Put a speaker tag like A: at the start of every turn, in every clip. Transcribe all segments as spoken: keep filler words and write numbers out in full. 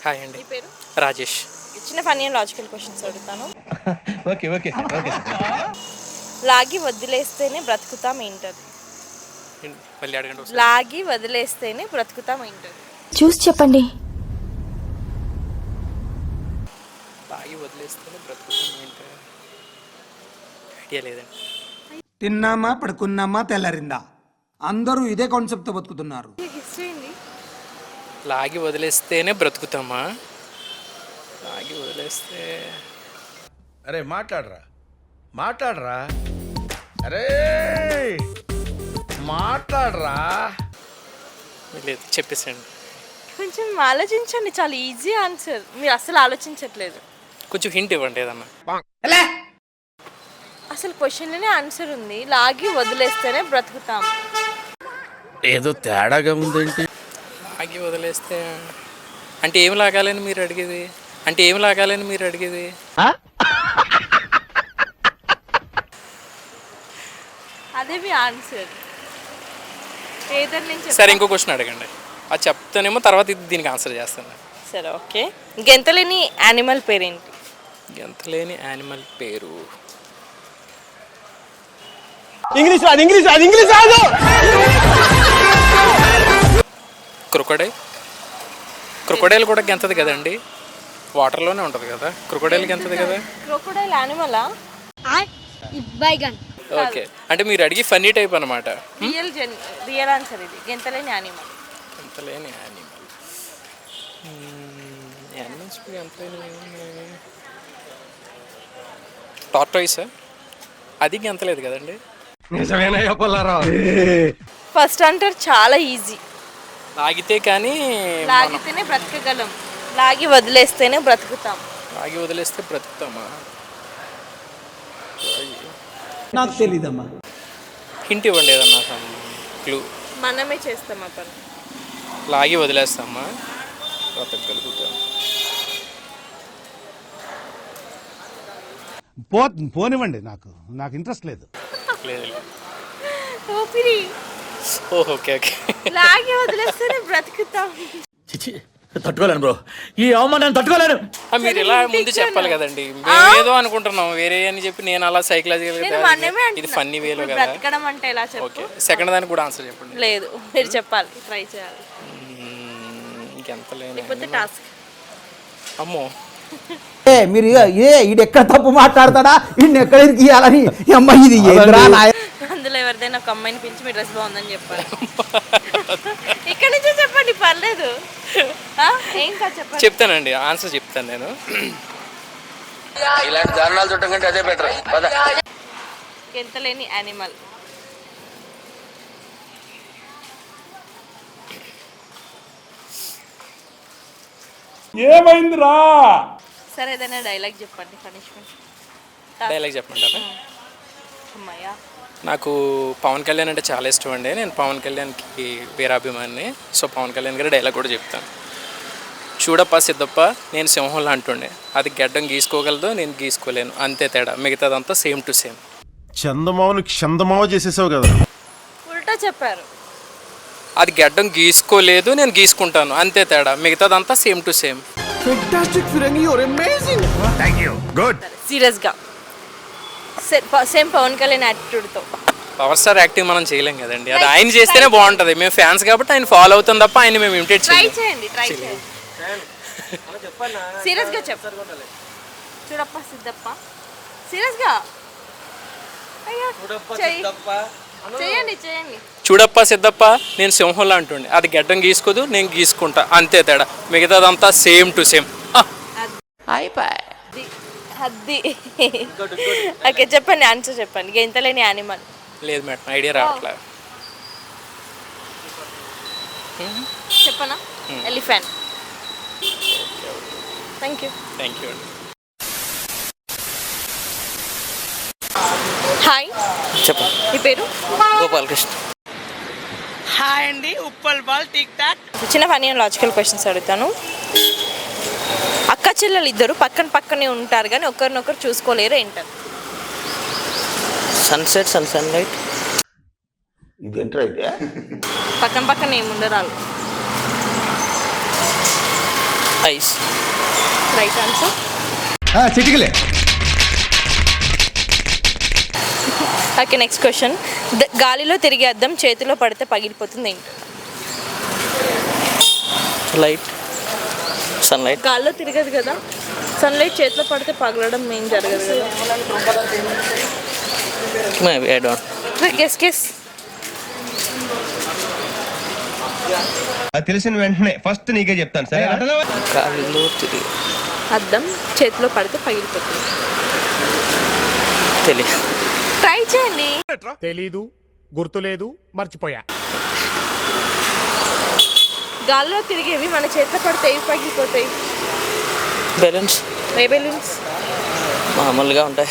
A: Hi అండి.
B: మీ పేరు?
A: రాజేష్.
B: చిన్న ఫన్నీ అండ్ లాజికల్ క్వశ్చన్స్ అడుగుతాను.
C: ఓకే ఓకే ఓకే
B: లాగి వదిలేస్తేనే బ్రతుకుతాం ఏంటది?
A: ఏంటి? మళ్ళీ అడగండి ఒకసారి.
B: లాగి వదిలేస్తేనే బ్రతుకుతాం ఏంటది?
D: చూసి చెప్పండి.
A: తాగి వదిలేస్తేనే బ్రతుకుతాం ఏంటి? ఐడియా లేదండి.
E: తిన్నామా పడుకున్నామా తెల్లారిందా అందరూ ఇదే కాన్సెప్ట్తో బతుకుతున్నారు.
B: హిస్టరీ ఏంది?
A: లాగి వదిలేస్తేనే బ్రతుకుతామా? లాగి వదిలేస్తే
F: అరే మాట్లాడరా మాట్లాడరా అరే మాట్లాడరా
A: లేదు, చెప్పేసండి.
B: కొంచెం ఆలోచించండి, చాలా ఈజీ ఆన్సర్. మీరు అసలు ఆలోచించట్లేదు.
A: కొంచెం హింట్ ఇవ్వండి ఏదన్నా.
B: అసలు క్వశ్చన్లోనే ఆన్సర్ ఉంది. లాగి వదిలేస్తేనే బ్రతుకుతాం.
F: ఏదో తేడాగా ఉందేంటి?
A: లాగి వదిలేస్తే అంటే ఏం లాగాలని మీరు అడిగేది? అంటే ఏం లాగాలని మీరు అడిగేది?
B: అదే మీ ఆన్సర్. ఏదర్ నుంచి
A: సరే, ఇంకో క్వశ్చన్ అడగండి. అది చెప్తానేమో తర్వాత ఇది దీనికి ఆన్సర్ చేస్తాను.
B: సరే, ఓకే. గెంతలేని యానిమల్ పేరేంటి?
A: ఎంత లేని యానిమల్ పేరు
C: ఇంగ్లీష్ రాదు ఇంగ్లీష్ రాదు ఇంగ్లీష్ రాదు
A: క్రొకడైల్. క్రొకడైల్ కూడా గెంతది కదండి, వాటర్లోనే ఉంటుంది కదా. క్రొకడైల్ గెంతది కదా.
B: క్రోకోడైల్ యానిమలా?
A: ఓకే, అంటే మీరు అడిగి ఫన్నీ టైప్ అనమాట.
B: రియల్ జెన్ రియల్ ఆన్సర్ ఇది. గెంతలేని యానిమల్.
A: ఎంత లేని యానిమల్ యానిమల్స్ ఎంత లేని టార్టాయిస్. అది గెంతలేదు కదండి.
F: నిజమేనా చెప్పాలరా?
B: ఫస్ట్ అంటారు చాలా ఈజీ.
A: లాగితే కానీ
B: లాగితేనే బ్రతకగలం, లాగి వదిలేస్తేనే బ్రతుకుతాం.
A: లాగి వదిలేస్తే బ్రతుకుతామా?
E: నాకు తెలీదమ్మా.
A: హింట్ ఇవ్వండి ఏదన్నా క్లూ.
B: మనమే చేస్తాం ఆ పని.
A: లాగి వదిలేస్తామా? బ్రతకగలుగుతాం.
G: పో పోనివ్వండి, నాకు నాకు ఇంట్రెస్ట్ లేదు.
A: లేదు లేదు.
B: ఊపిరి.
A: Oh, okay okay.
B: లాగి వదిలేస్తేనే బ్రతుకుతాం.
C: చిచి తట్టుకోలేను బ్రో, ఈ అవమానాన్ని తట్టుకోలేను.
A: ఆ, మీరు ఇలా ముందు చెప్పాలి కదండి. మేము ఏదో అనుకుంటున్నాం వేరే అని చెప్పి నేను అలా
B: నేను
A: సైకలాజికల్
B: మనమే
A: ఇది
B: అంటున్నా.
A: ఫన్నీ వేలో
B: ఇప్పుడు
A: కదా.
B: బ్రతకడం అంటే ఎలా చెప్పు?
A: ఓకే, సెకండ్ దానికి కూడా ఆన్సర్ చెప్పండి.
B: లేదు, మీరు చెప్పాలి, ట్రై చేయాలి.
A: మ్మ్, ఇంకెంత లేని
B: లేకపోతే
A: animal.
B: టాస్క్.
A: అమ్మో,
E: ఏ మీరు ఏ ఈడు ఎక్కడ తప్పు మాట్లాడతాడా ఈయన ఎక్కడ ఇయ్యాలని అమ్మ ఇది ఏంద్రా నాయ
B: అందులో ఎవరిదైనా ఒక అమ్మాయిని పిలిచి మీ డ్రెస్ బాగుందని చెప్పాలి. ఇక్కడ నుంచే చెప్పండి, పర్లేదు. ఆ? ఏం కాదు, చెప్పండి.
A: చెప్తానండి, ఆన్సర్ చెప్తాను నేను.
F: ఇలాంటి దారుణాలు చుట్టం కంటే అదే బెటర్.
B: గెంతలేని యానిమల్.
E: ఏమైందిరా
B: సరే, ఏదైనా డైలాగ్ చెప్పండి. పనిష్మెంట్.
A: డైలాగ్ చెప్పమంటారా?
B: అమ్మాయ్యా.
A: నాకు పవన్ కళ్యాణ్ అంటే చాలా ఇష్టం అండి. నేను పవన్ కళ్యాణ్కి వీరాభిమాని. సో పవన్ కళ్యాణ్ గారి డైలాగ్ కూడా చెప్తాను. చూడప్ప సిద్ధప్ప, నేను సింహంలా అంటుండే. అది గడ్డం గీసుకోగలదు, నేను గీసుకోలేను, అంతే తేడా, మిగతాదంతా సేమ్ టు సేమ్.
G: చందమావని చందమావ చేసేసావు కదా.
B: ఉల్టా చెప్పారు.
A: అది గడ్డం గీసుకోలేదు, నేను గీసుకుంటాను, అంతే తేడా, మిగతాదంతా సేమ్ టు సేమ్.
B: సీరియస్ గా సేమ్ పవన్ కళ్యాణ్ యాటిట్యూడ్ తో.
A: పవర్ స్టార్ యాక్టింగ్ మనం చేయలేం కదండి, అది ఆయన చేస్తేనే బాగుంటుంది. మేము ఫ్యాన్స్ కాబట్టి ఆయన ఫాలో అవుతాం తప్ప ఆయన మేము ఇమిటేట్
B: ట్రై
A: చేయాలి.
B: చేయండి, ట్రై చేయండి. సీరియస్ గా చెప్పు. చూడప్ప సిద్ధప్ప. సీరియస్ గా. అయ్యో, చెయ్యి. చేయండి చేయండి.
A: చూడప్ప సిద్ధప్ప, నేను సింహంలా అంటుండే. అది గడ్డం గీసుకోదు, నేను గీసుకుంటా, అంతే తేడా, మిగతాదంతా సేమ్ టు సేమ్.
B: అది ఓకే, చెప్పండి, ఆన్సర్ చెప్పండి. గెంతలేని యానిమల్.
A: లేదు మేడం, ఐడియా రావట్లే.
B: చెప్పనా? Elephant. Thank you.
A: Thank you అండి.
B: హాయ్,
A: చెప్పండి.
B: మీ పేరు?
A: గోపాలకృష్ణ.
H: హాయ్ అండి, ఉప్పల్ బాల్ టిక్ టాక్.
B: చిన్న ఫన్నీ అండ్ లాజికల్ క్వశ్చన్స్ అడుగుతాను. అక్క చెల్లెలు ఇద్దరు పక్కన పక్కనే ఉంటారు కానీ ఒకరినొకరు చూసుకోలేరు, ఏంటారు?
H: Sunset sun sunlight.
E: ఇదేంట్రా అయితే
B: పక్కన పక్కన ఏముండరు వాళ్ళు.
A: ఐస్.
B: Right answer.
E: చిటికలే.
B: Okay next question. గాలిలో తిరిగే అద్దం చేతిలో పడితే పగిలిపోతుంది ఏంటి?
A: లైట్. సన్లైట్.
B: గాల్లో తిరగదు కదా, సన్లైట్ చేతిలో పడితే పగలడం ఏం జరగదు కదా.
A: Maybe I don't.
B: Guess guess.
D: అది తెలిసిన వెంటనే ఫస్ట్ నీకే చెప్తాను సరే.
A: గాలిలో తిరిగి
B: అద్దం చేతిలో పడితే పగిలిపోతుంది.
A: తెలియదు.
B: ట్రై చేయండి.
G: తెలీదు, గుర్తులేదు, మర్చిపోయా.
B: గాల్లో తిరిగేవి మన చేతిలో పడితే ఏవి పగిలిపోతాయి?
A: బెలూన్స్.
B: ఏ బెలూన్స్?
A: మామూలుగా ఉంటాయి.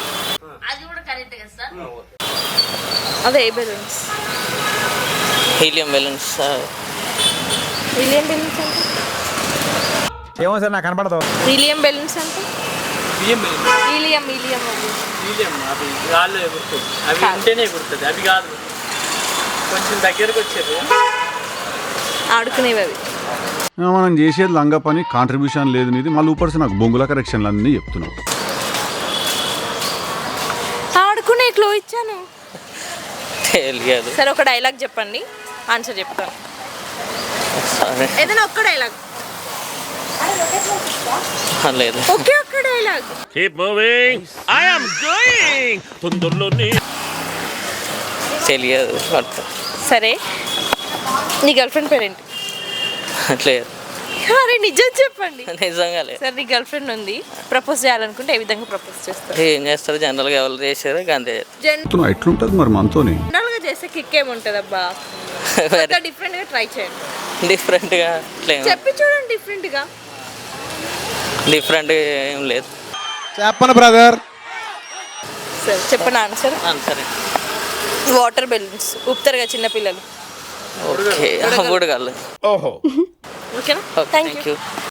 B: అదే ఏ balloons?
A: Helium balloons.
B: Helium balloons అంటే
E: ఏమో సార్ నాకు కనపడదు.
B: హీలియం బెలూన్స్ అంటే హీలియం హీలియం
A: హీలియం అవి గాల్లో ఎగురుతుంది. అవి ఉంటేనే ఎగురుతుంది, అవి కాదు. కొంచెం దగ్గరకు వచ్చేది.
B: ఆడుకునేవి అవి.
G: మనం చేసేది లంగా పని, కాంట్రిబ్యూషన్ లేదు నీది, మళ్ళీ ఊపర్స్ నాకు బొంగుల కరెక్షన్లు అన్నీ చెప్తున్నావు.
B: ఆడుకునే క్లో ఇచ్చాను.
A: తెలియదు.
B: సరే ఒక డైలాగ్ చెప్పండి, ఆన్సర్ చెప్తాను.
A: సరే.
B: ఏదైనా ఒక్క డైలాగ్.
A: లేదు.
B: ఒకే ఒక్క డైలాగ్.
A: తెలియదు.
B: సరే నీ గర్ల్ ఫ్రెండ్ పేరేంటి?
A: లేదు.
B: అరే నిజం చెప్పండి.
A: నిజంగా లేదు.
B: సరే నీ గర్ల్ ఫ్రెండ్ ఉంది, ప్రపోజ్ చేయాలనుకుంటే ఏ విధంగా ప్రపోజ్ చేస్తారు?
A: ఏం చేస్తారు జనరల్గా, ఎవరు చేశారు అంతే.
G: ఎట్లుంటది మరి మనతోని?
B: జనరల్ గా చేస్తే కిక్ ఏముంటది అబ్బా? డిఫరెంట్ గా ట్రై చేయండి.
A: డిఫరెంట్గా
B: చెప్పి చూడండి డిఫరెంట్ గా.
A: డిఫరెంట్గా ఏం లేదు.
E: చెప్పను బ్రదర్.
B: సరే చెప్పండి ఆన్సర్.
A: సరే.
B: వాటర్ బెలూన్స్ ఊపుతారు కదా చిన్నపిల్లలు.
A: ఓకే. బుడగలు.
B: ఓకేనా?
A: Thank you.